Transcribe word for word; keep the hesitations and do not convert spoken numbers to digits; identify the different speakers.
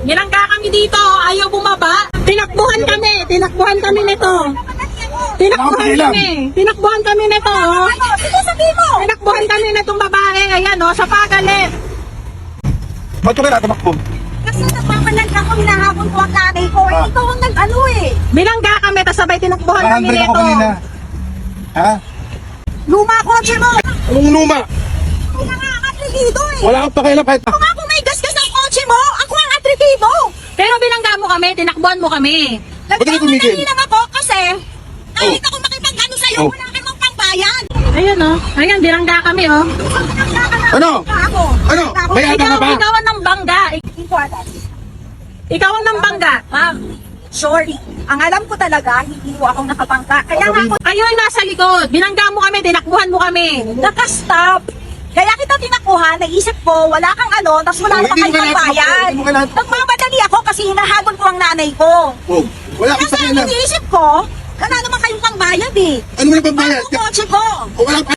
Speaker 1: Binangga kami dito, ayaw bumaba. Tinakbuhan kami, tinakbuhan kami nito. Tinakbuhan kami, tinakbuhan kami nito. Oh.
Speaker 2: Sige, sabihin mo.
Speaker 1: Tinakbuhan kami nitong babae, ayan oh, sa pagalit.
Speaker 3: Ba't ko kaya tumakbo?
Speaker 2: Kasi nagpapalag ako, hinahabol ko ang nanay ko. Eh, ikaw ang nag-ano eh.
Speaker 1: Binangga kami, tapos sabay tinakbuhan kami
Speaker 3: Nakahandbrake ako
Speaker 1: nito.
Speaker 3: kanina. Ha?
Speaker 2: Luma ko ang mo.
Speaker 3: Anong luma?
Speaker 2: Ako na nga ang atrebido eh.
Speaker 3: Wala akong pakialam kahit...
Speaker 2: Ako nga kung may gasgas ng kotse mo, ako ang atrebido.
Speaker 1: Pero binangga mo kami, tinakbuhan mo kami.
Speaker 3: Ba't ka tumigil?
Speaker 2: Nagpapalag lang ako kasi kahit ako makipag-ano sa'yo,
Speaker 3: Oh.
Speaker 2: wala kang pangbayan.
Speaker 1: Ayan oh, ayan, binangga kami oh.
Speaker 3: Ano?
Speaker 2: Ako.
Speaker 3: Ano? May aga
Speaker 1: Ikaw,
Speaker 3: ka ba?
Speaker 1: ikaw ang nambangga.
Speaker 2: Important.
Speaker 1: Ikaw ang nambangga.
Speaker 2: Ma'am, sorry. Ang alam ko talaga, hindi mo ako nakapangka. Kaya nga ako
Speaker 1: Kayo yung nasa likod. Binangga mo kami, tinakbuhan mo kami.
Speaker 2: nakastop. Kaya kita tinakuha, naisip ko, wala kang ano, tapos wala
Speaker 3: Oh,
Speaker 2: naman
Speaker 3: hindi mo
Speaker 2: kayong
Speaker 3: kailangan
Speaker 2: pambayan.
Speaker 3: tumakbo, hindi mo kailangan-
Speaker 2: Nagmamadali ako kasi hinahabol ko ang nanay ko.
Speaker 3: Oh, wala akong
Speaker 2: Kasi ang
Speaker 3: pakialam.
Speaker 2: iniisip ko, wala naman kayong pangbayad eh.
Speaker 3: Ano mo na pambayad?
Speaker 2: Ano kotse ko?
Speaker 3: Wala